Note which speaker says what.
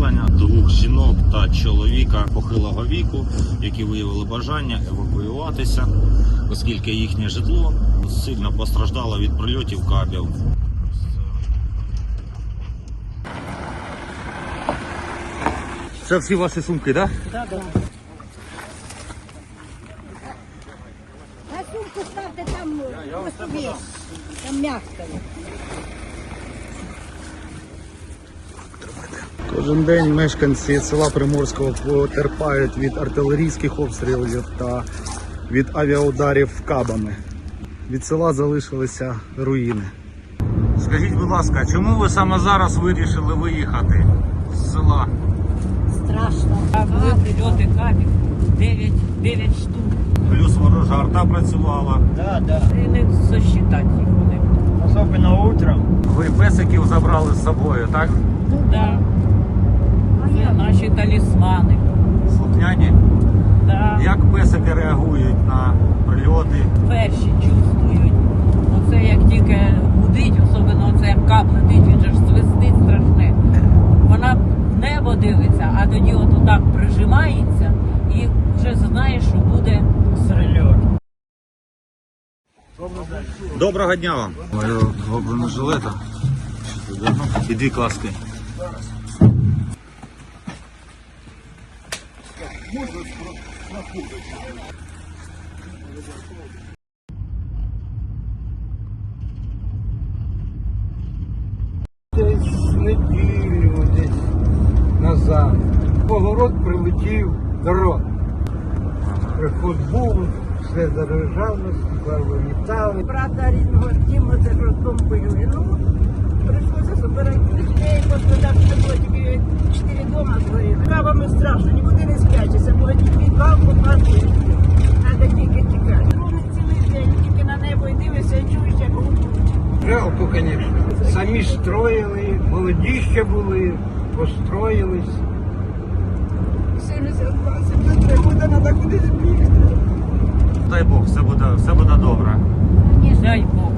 Speaker 1: населення, 2 жінок та чоловіка похилого віку, які виявили бажання евакуюватися, оскільки їхнє житло сильно постраждало від прильотів кабів. Це всі ваші сумки, так?
Speaker 2: Так, так. А сумку ставте там, собі, там м'яко.
Speaker 3: Кожен день мешканці села Приморського потерпають від артилерійських обстрілів та від авіаударів кабами. Від села залишилися руїни.
Speaker 1: Скажіть, будь ласка, чому ви саме зараз вирішили виїхати з села?
Speaker 2: Страшно.
Speaker 4: Були прильоти кабів, 9 штук.
Speaker 1: Плюс ворожа арта працювала.
Speaker 5: Да.
Speaker 4: І не сосчитати їх вони.
Speaker 5: Особенно утром.
Speaker 1: Ви песиків забрали з собою, так?
Speaker 4: Ну так. Це наші талісмани.
Speaker 1: Слухняні.
Speaker 4: Да.
Speaker 1: Як песики реагують на прильоти?
Speaker 4: Перші чувствують. Оце як тільки гудить, особливо оце як кап летить, він же ж свистить страшне. Вона в небо дивиться, а тоді от отак прижимається і вже знає, що буде
Speaker 5: Прильот.
Speaker 1: Доброго дня вам. Два бронежилета. І 2 каски.
Speaker 6: Десь неділю десь назад. Погород прилетів дрон. Приход був, все заряджало, стекла вилітали.
Speaker 2: Брата рідного Діма за жорстком воює. Ну, прийшлося збирати людей, господарство було тільки 4 дома згоріли. Кабами страшно, нікуди не спрячешся, було тільки підвал, попасти. Треба тільки тікати. Вони цілий день, тільки на небо і дивишся, і чуєш, як гудуть.
Speaker 6: Жалко, звісно. Самі строїли, молоді ще були, построїлись.
Speaker 2: 72, 73 роки, треба кудись бігти.
Speaker 1: Дай Бог, все буде добре.
Speaker 4: дай Бог.